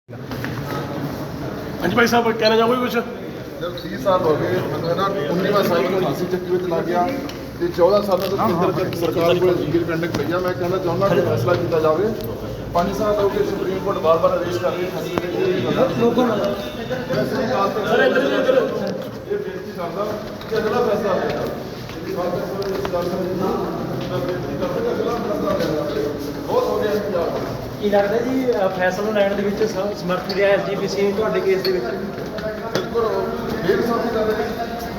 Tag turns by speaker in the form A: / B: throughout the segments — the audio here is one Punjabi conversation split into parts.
A: हाँ जी भाई साहब कहना चाहोगे कुछ?
B: जब 30 साल हो गए मैं ना 19वां साल को फांसी ਚੱਕੀ ਵਿੱਚ ਲੱਗ ਗਿਆ ਤੇ 14 ਸਾਲਾਂ ਤੋਂ ਕੇਂਦਰ ਸਰਕਾਰ ਕੋਲ ਇੰਡੀਪੈਂਡੈਂਟ ਪਈਆ ਮੈਂ ਕਹਿਣਾ ਚਾਹੁੰਦਾ ਕਿ ਫੈਸਲਾ ਕੀਤਾ ਜਾਵੇ 5 ਸਾਲ ਹੋ ਗਏ ਸੁਪਰੀਮ ਕੋਰਟ ਬਾਰ-ਬਾਰ ਆਦੇਸ਼ ਕਰ ਰਹੀ ਹੈ ਲੋਕਾਂ ਨਾਲ ਵੈਸੇ ਹੀ ਕਾਲ ਤੇ ਸਰ ਇੱਧਰ ਇਹ ਬੇਨਤੀ ਕਰਦਾ ਕਿ ਅਗਲਾ ਫੈਸਲਾ ਲੈਣਾ ਬਹੁਤ ਹੋ ਗਿਆ ਇੰਤਜ਼ਾਰ
C: ਕੀ ਲੱਗਦਾ ਜੀ ਫੈਸਲਾ ਲੈਣ ਦੇ ਵਿੱਚ ਸਮਰਥ ਰਿਹਾ ਐਸਜੀਪੀਸੀ ਤੁਹਾਡੇ ਕੇਸ ਦੇ ਵਿੱਚ?
B: ਬਿਲਕੁਲ ਡੇਢ ਸਾਲ ਦੀ ਗੱਲ ਹੈ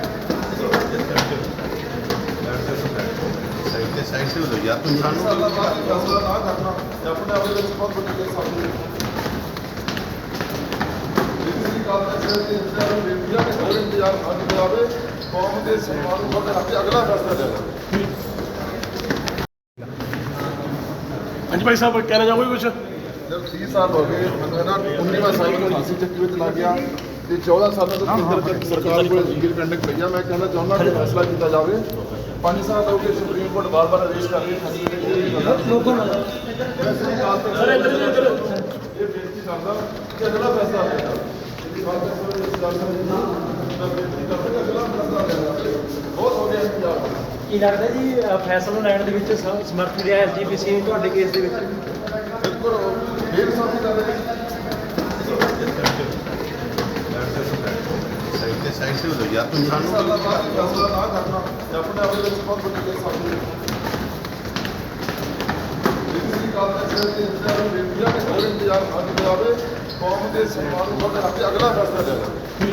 D: ਸਾਈਡ से हो जाओ यार तुम
B: साल बाद फैसला ना करना ते अपने आप ਵਿੱਚ ਬਹੁਤ ਵੱਡੀ ਗੱਲ ਸਾਹਮਣੇ ਦਿੱਲੀ ਕਾਲ ਦੇ ਇੰਤਜ਼ਾਰ ਨੂੰ ਬੇਟੀਆਂ ਦੇ ਹੋਰ ਇੰਤਜ਼ਾਰ ਕਰ ਜਾਵੇ ਕੌਮ ਦੇ ਸਨਮਾਨ ਨੂੰ ਬਰਕਰਾਰ ਰੱਖ ਕੇ ਅਗਲਾ ਫੈਸਲਾ ਲੈਣਾ
A: हाँ जी भाई साहब कहना चाहोगे कुछ?
B: जब 30 साल हो गए मैं ना 19वां साल को फांसी ਚੱਕੀ ਵਿੱਚ ਲੱਗ ਗਿਆ ਤੇ 14 ਸਾਲਾਂ ਤੋਂ ਕੇਂਦਰ ਸਰਕਾਰ ਕੋਲ ਇੰਡੀਪੈਂਡੈਂਟ ਪਈਆ ਮੈਂ ਕਹਿਣਾ ਚਾਹੁੰਦਾ ਕਿ ਫੈਸਲਾ ਕੀਤਾ ਜਾਵੇ 5 ਸਾਲ ਹੋ ਗਏ ਸੁਪਰੀਮ ਕੋਰਟ ਬਾਰ-ਬਾਰ ਆਦੇਸ਼ ਕਰ ਰਹੀ ਹੈ
C: ਲੋਕਾਂ ਨਾਲ
B: ਵੈਸੇ ਹੀ ਕਾਲ ਤੇ ਸਰ ਇੱਧਰ ਇਹ ਬੇਨਤੀ ਕਰਦਾ ਕਿ ਅਗਲਾ ਫੈਸਲਾ ਲੈਣਾ ਬਹੁਤ ਹੋ ਗਿਆ ਇੰਤਜ਼ਾਰ
C: ਕੀ ਲੱਗਦਾ ਜੀ ਫੈਸਲਾ ਲੈਣ ਦੇ ਵਿੱਚ ਸਮਰਥ ਰਿਹਾ ਐਸਜੀਪੀਸੀ ਤੁਹਾਡੇ ਕੇਸ ਦੇ ਵਿੱਚ?
B: ਬਿਲਕੁਲ ਡੇਢ ਸਾਲ ਦੀ ਗੱਲ ਹੈ
D: साइड से हो जाओ यार तुम
B: ਸਾਲਾਂ ਬਾਅਦ ਫੈਸਲਾ ਨਾ ਕਰਨਾ ਤੇ ਆਪਣੇ ਆਪ ਵਿੱਚ ਬਹੁਤ ਵੱਡੀ ਗੱਲ ਸਾਹਮਣੇ ਦਿੱਲੀ ਕਾਲ ਦੇ ਇੰਤਜ਼ਾਰ ਨੂੰ ਬੇਟੀਆਂ ਦੇ ਹੋਰ ਇੰਤਜ਼ਾਰ ਕਰ ਜਾਵੇ ਕੌਮ ਦੇ ਸਨਮਾਨ ਨੂੰ ਬਰਕਰਾਰ ਰੱਖ ਕੇ ਅਗਲਾ ਫੈਸਲਾ ਲੈਣਾ